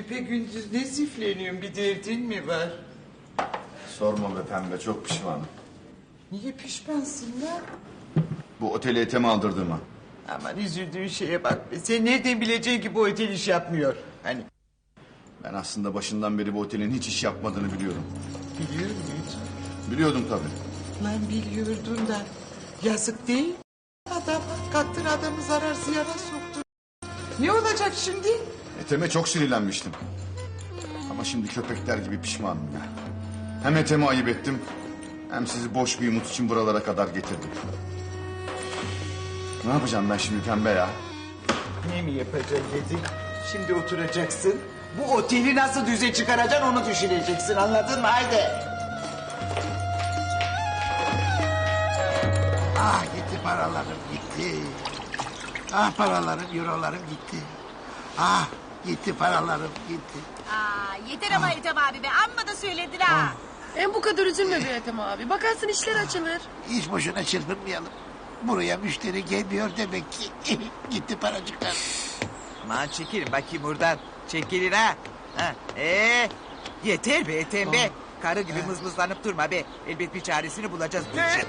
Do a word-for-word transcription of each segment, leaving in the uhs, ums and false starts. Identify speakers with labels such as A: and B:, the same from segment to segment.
A: küpe gündüz ne zifleniyorsun, bir derdin mi var?
B: Sorma be pembe, çok pişmanım.
A: Niye pişmansın lan?
B: Bu oteli eteme aldırdığıma.
A: Aman üzüldüğün şeye bak be. Sen nereden bileceksin ki bu otel iş yapmıyor? Hani
B: Ben aslında başından beri bu otelin hiç iş yapmadığını biliyorum.
A: biliyor muydun?
B: Biliyordum tabii.
A: Lan biliyordun da yazık değil mi? Adam kattın adamı zarar ziyara soktu. Ne olacak şimdi?
B: Eteme çok sinirlenmiştim. Ama şimdi köpekler gibi pişmanım ya. Hem Ethem'i ayıp ettim... hem sizi boş bir umut için buralara kadar getirdim. Ne yapacağım ben şimdi pembe ya?
A: Ne mi yapacaksın dedik? Şimdi oturacaksın. Bu oteli nasıl düze çıkaracaksın onu düşüneceksin, anladın mı? Haydi.
C: Ah gitti paralarım gitti. Ah paralarım, eurolarım gitti. Ah gitti paralarım gitti.
D: Aa, yeter ama Ethem abi be. Amma da söyledin ha.
E: En bu kadar üzülme be Ethem abi. Bakarsın işler açılır.
C: Hiç boşuna çırpınmayalım. Buraya müşteri gelmiyor demek ki. Gitti paracıklar.
A: Aman çekilin bakayım buradan. Çekilin ha. ha. Ee, yeter be Ethem be. Karı gibi mızmızlanıp durma be. Elbet bir çaresini bulacağız bu işin.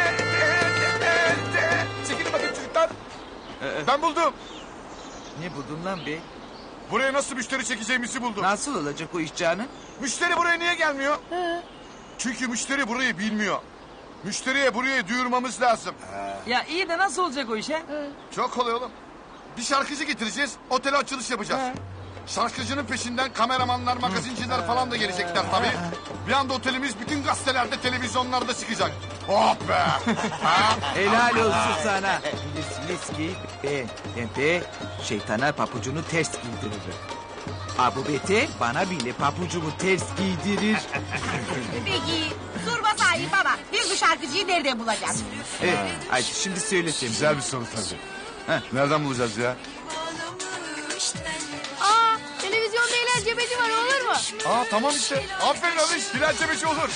F: Çekilin bakayım çocuklar. Ben buldum.
A: Ne buldun lan be?
F: Buraya nasıl müşteri çekeceğimizi buldum.
A: Nasıl olacak o iş canım?
F: Müşteri buraya niye gelmiyor? Çünkü müşteri burayı bilmiyor. Müşteriye burayı duyurmamız lazım.
G: Ya iyi de nasıl olacak o iş he?
F: Çok kolay oğlum. Bir şarkıcı getireceğiz, otele açılış yapacağız. Şarkıcının peşinden kameramanlar, magazinciler falan da gelecekler tabii. Bir anda otelimiz bütün gazetelerde, televizyonlarda çıkacak. Oh be! Ha?
A: Helal olsun sana. Bilirsiniz ki ben, ben şeytana papucunu ters giydiririm. Abu Beter bana bile papucumu ters giydirir.
D: Peki sorma sahip ama biz bu şarkıcıyı nereden bulacağız?
A: Evet, hadi şimdi söyle sen.
F: Güzel bir soru tabii. Nereden bulacağız ya?
E: Aa, televizyonda eğlence beci var, olur mu?
F: Aa tamam işte. Aferin Aliş. Bilal Cebeşi olur.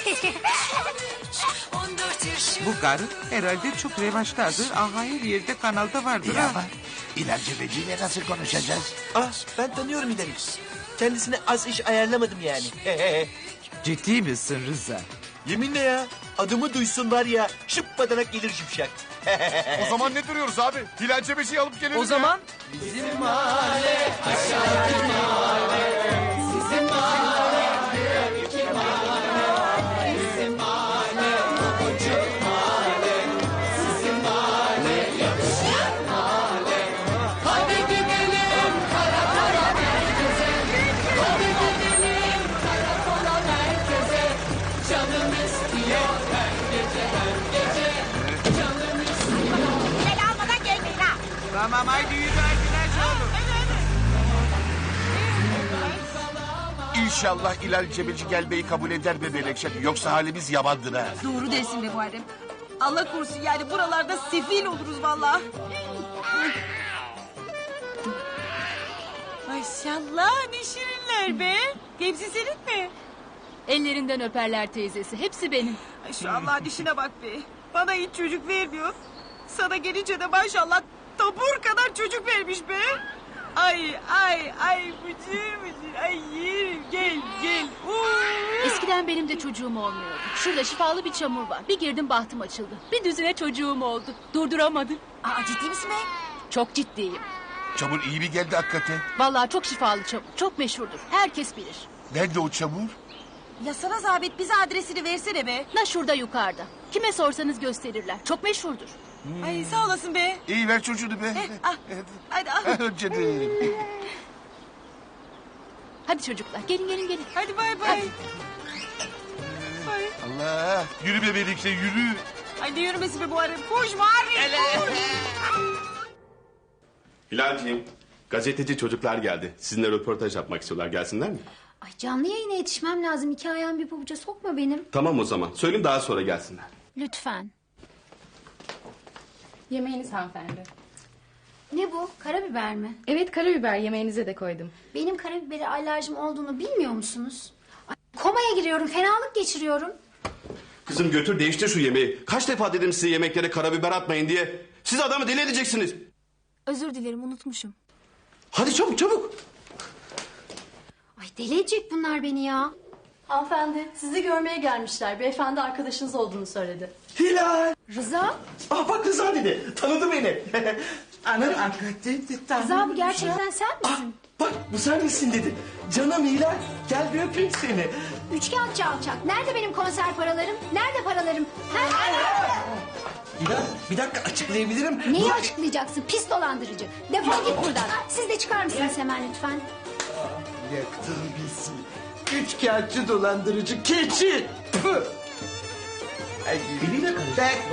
A: Bu karı herhalde çok revaçtadır. Aha her yerde kanalda vardır
C: İyi
A: ha.
C: ama İlacı Beci'yle nasıl konuşacağız?
G: Ah ben tanıyorum İdem'i. Kendisine az iş ayarlamadım yani.
A: Ciddi misin Rıza?
G: Yeminle ya. Adımı duysun var ya şıp badanak gelir şıpşak.
F: O zaman ne duruyoruz abi? Bilal Cebeşi'yi alıp gelelim
G: O
F: ya.
G: zaman bizim mahalle aşağı mahalle sizin mahalle iki mahalle bizim mahalle bucuk mahalle sizin mahalle yapışık mahalle. Hadi gidelim karakola merkeze. Hadi gidelim karakola merkeze. Canım istiyor her gece her gece. Canım istiyor.
D: Bilal almadan gelmeyin ha.
A: Tamam haydi yürü arkadaş oğlum.
C: İnşallah İlal Cebeci gelmeyi kabul eder be Melekşen. Yoksa halimiz yamandır ha.
D: Doğru dersin be Muharrem. Allah korusun yani buralarda sefil oluruz vallahi. Maşallah ne şirinler be. Hepsi senin mi?
E: Ellerinden öperler teyzesi. Hepsi benim.
D: Ay şu Allah dişine bak be. Bana hiç çocuk vermiyor. Sana gelince de maşallah tabur kadar çocuk vermiş be. Ay ay ay bıcır bıcır ay yerim gel gel. Oo.
E: Eskiden benim de çocuğum olmuyordu. Şurada şifalı bir çamur var. Bir girdim bahtım açıldı. Bir düzine çocuğum oldu. Durduramadım.
D: Aa ciddi misin be?
E: Çok ciddiyim.
C: Çamur iyi mi geldi hakikaten?
E: Vallahi çok şifalı çamur. Çok meşhurdur. Herkes bilir.
C: Nerede o çamur?
D: Ya sana zahmet bize adresini versene be.
E: Na şurada yukarıda. Kime sorsanız gösterirler. Çok meşhurdur.
D: Ay sağ olasın be.
C: İyi ver çocuğunu be.
D: Eh, ah, hadi al.
C: Canım.
E: Hadi çocuklar gelin gelin gelin.
D: Hadi bay bay. Bay.
C: Allah. Yürü be Melekşen yürü.
D: Hadi yürümesin be Muharrem. Koş Muharrem. Koş.
H: Hilal'ciğim, gazeteci çocuklar geldi. Sizinle röportaj yapmak istiyorlar. Gelsinler mi?
I: Ay canlı yayına yetişmem lazım. İki ayağım bir pabuca sokma benim.
H: Tamam o zaman. Söyleyeyim daha sonra gelsinler.
E: Lütfen.
J: Yemeğiniz hanımefendi.
I: Ne bu? Karabiber mi?
J: Evet karabiber yemeğinize de koydum.
I: Benim karabibere alerjim olduğunu bilmiyor musunuz? Ay, komaya giriyorum, fenalık geçiriyorum.
H: Kızım götür değiştir şu yemeği. Kaç defa dedim size yemeklere karabiber atmayın diye. Siz adamı deli edeceksiniz.
E: Özür dilerim unutmuşum.
H: Hadi çabuk çabuk.
I: Ay deli edecek bunlar beni ya.
J: Hanımefendi sizi görmeye gelmişler. Beyefendi arkadaşınız olduğunu söyledi.
G: Hilal.
I: Rıza?
G: Ah bak Rıza dedi. Tanıdı beni. Anam hakikaten.
I: Rıza bu gerçekten sen misin?
G: Bak bu sen misin dedi. Canım Hilal gel bir öpeyim seni.
I: Üçkağıtçı alçak. Nerede benim konser paralarım? Nerede paralarım? Ha?
G: Hilal bir dakika açıklayabilirim.
I: Neyi
G: Bu-
I: açıklayacaksın pis dolandırıcı? Defol git buradan. Siz de çıkar mısınız hemen lütfen?
G: Yaktın bizi. Üç kağıtçı dolandırıcı keçi. Püh. Ay, biriyle karıştı.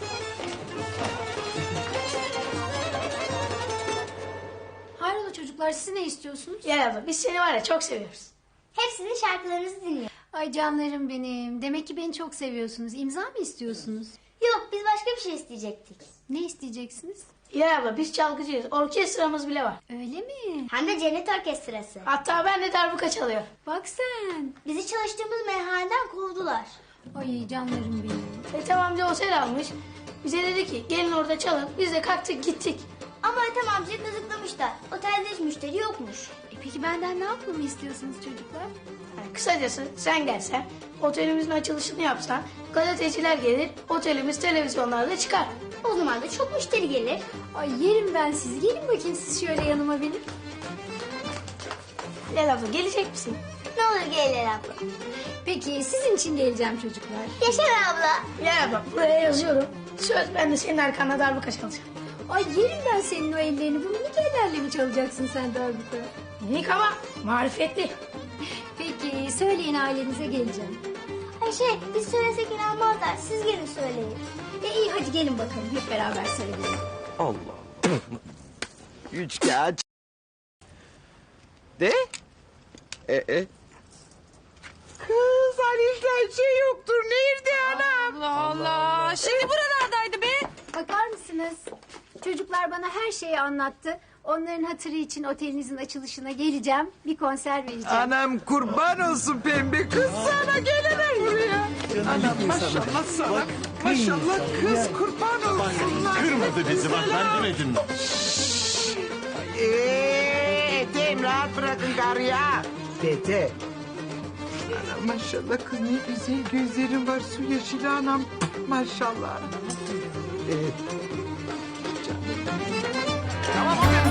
I: Hayrola çocuklar siz ne istiyorsunuz?
K: Ya abla biz seni var ya çok seviyoruz.
I: Hepsinin şarkılarınızı dinliyor. Ay canlarım benim. Demek ki beni çok seviyorsunuz. İmza mı istiyorsunuz?
L: Yok biz başka bir şey isteyecektik.
I: Ne isteyeceksiniz?
K: Ya abla biz çalgıcıyız. Orkestramız bile var.
I: Öyle mi?
L: Hem de cennet orkestrası.
K: Hatta ben de darbuka çalıyor.
I: Bak sen.
L: Bizi çalıştığımız meyhaneden kovdular.
I: Ay canlarım benim.
K: Ethem amca otel almış. Bize dedi ki gelin orada çalın. Biz de kalktık gittik.
L: Ama Ethem amcayı kazıklamışlar. Otelde hiç müşteri yokmuş.
I: E peki benden ne yapmamı istiyorsunuz çocuklar?
K: Yani kısacası sen gelsen otelimizin açılışını yapsan gazeteciler gelir otelimiz televizyonlarda çıkar.
L: O zaman da çok müşteri gelir.
I: Ay yerim ben sizi. Gelin bakayım siz şöyle yanıma benim.
K: Gel abla gelecek misin?
L: Ne olur gelir abla.
I: Peki sizin için geleceğim çocuklar.
L: Yaşa be abla.
K: Gel abla buraya yazıyorum. Söz ben de senin arkanda darbuka çalacağım.
I: Ay yerim ben senin o ellerini. Bu minik ellerle mi çalacaksın sen darbuka?
K: Minik ama marifetli.
I: Peki söyleyin ailenize geleceğim.
L: Ay şey biz söylesek inanmazlar. Siz gelin söyleyin.
I: E iyi hadi gelin bakalım hep beraber söyleyelim.
A: Allah. Üç kağıt. De? E e. Kız Aliş'ten şey yoktur. Nerede anam?
D: Allah Allah. Şimdi buralardaydı be.
I: Bakar mısınız? Çocuklar bana her şeyi anlattı. Onların hatırı için otelinizin açılışına geleceğim. Bir konser vereceğim.
A: Anam kurban olsun pembe kız sana gelene buraya. Anam maşallah sana. Maşallah kız kurban olsunlar.
C: Kırmadı bizi bak ben demedim mi?
G: Eee Ethem rahat bırakın karı ya.
A: Dede. Anam maşallah kız ne güzel gözlerin var su yeşili anam. Maşallah. Evet. Canım. Tamam